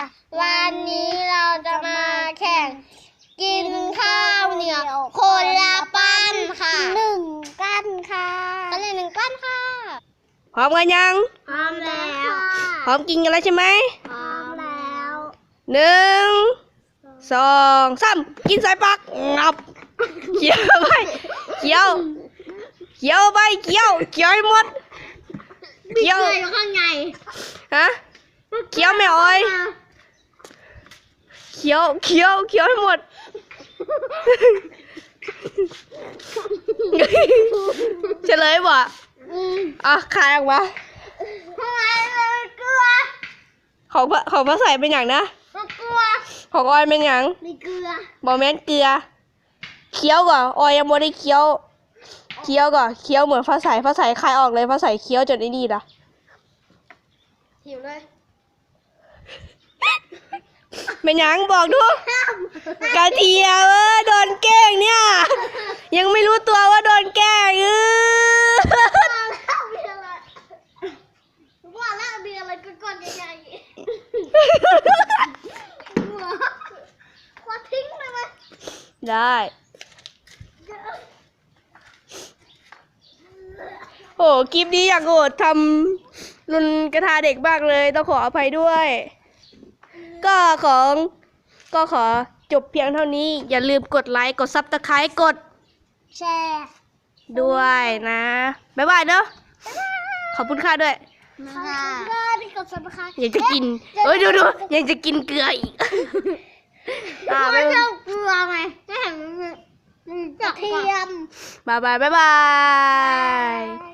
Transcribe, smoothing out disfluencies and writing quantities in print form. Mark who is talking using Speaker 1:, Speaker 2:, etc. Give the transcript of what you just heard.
Speaker 1: วันนี้เราจะมาแข่งกินข้าวเหนียวคนละปั้นค่ะ1 ปั้นค่ะก็เลย1 ปั้นค่ะ
Speaker 2: พร้อมกันยัง
Speaker 1: พร้อมแล้ว
Speaker 2: พร้อมกินกันแล้วใช่ไหม
Speaker 1: พร้อมแล้ว
Speaker 2: 1 2 3กินใส่ปากงับเคี้ยวไปเคี้ยวไปเคี้ยวให้หมดเคี้ยว
Speaker 1: อยู่ข้างใน
Speaker 2: ฮะเคี้ยวไม่อ้อยเคี้ยวให้หมดเฉลยบ่คายออกมา
Speaker 1: ทำไมมันเกลือ
Speaker 2: ของพระใส่เป็นอย่างนะ
Speaker 1: มันเกลือ
Speaker 2: ของออยเป็นอย่าง
Speaker 1: มีเกลือ
Speaker 2: บ่แม่นเกลือเคี้ยวก่อนออยยังไม่ได้เคี้ยวก่อนเคี้ยวเหมือนฟ้าใสคายออกเลยฟ้าใสเคี้ยวจนไอ้นี่ล่ะ
Speaker 1: หิวเลย
Speaker 2: เป็นยังบอกดูกระเทียมโดนแกล้งเนี่ยยังไม่รู้ตัวว่าโดนแกล้ง
Speaker 1: ว่าแล้วมีอะไรก้อนใหญ่ๆว่าทิ้งไปไหม
Speaker 2: ได้โอ้คลิปนี้อยากโหดทำรุนกระทาเด็กมากเลยต้องขออภัยด้วยก็ขอจบเพียงเท่านี้อย่าลืมกดไลค์กดซับสไครต์กด
Speaker 1: แชร์
Speaker 2: ด้วยนะบ๊ายบายเนอะขอบคุณค่ะด้วย
Speaker 1: ที่กดซับสไครต์
Speaker 2: อยากจะกินดูยังจะกินเกลืออีก
Speaker 1: ไม่ชอบเกลือไงไม่เห็นมันกระเทียม
Speaker 2: บ๊ายบาย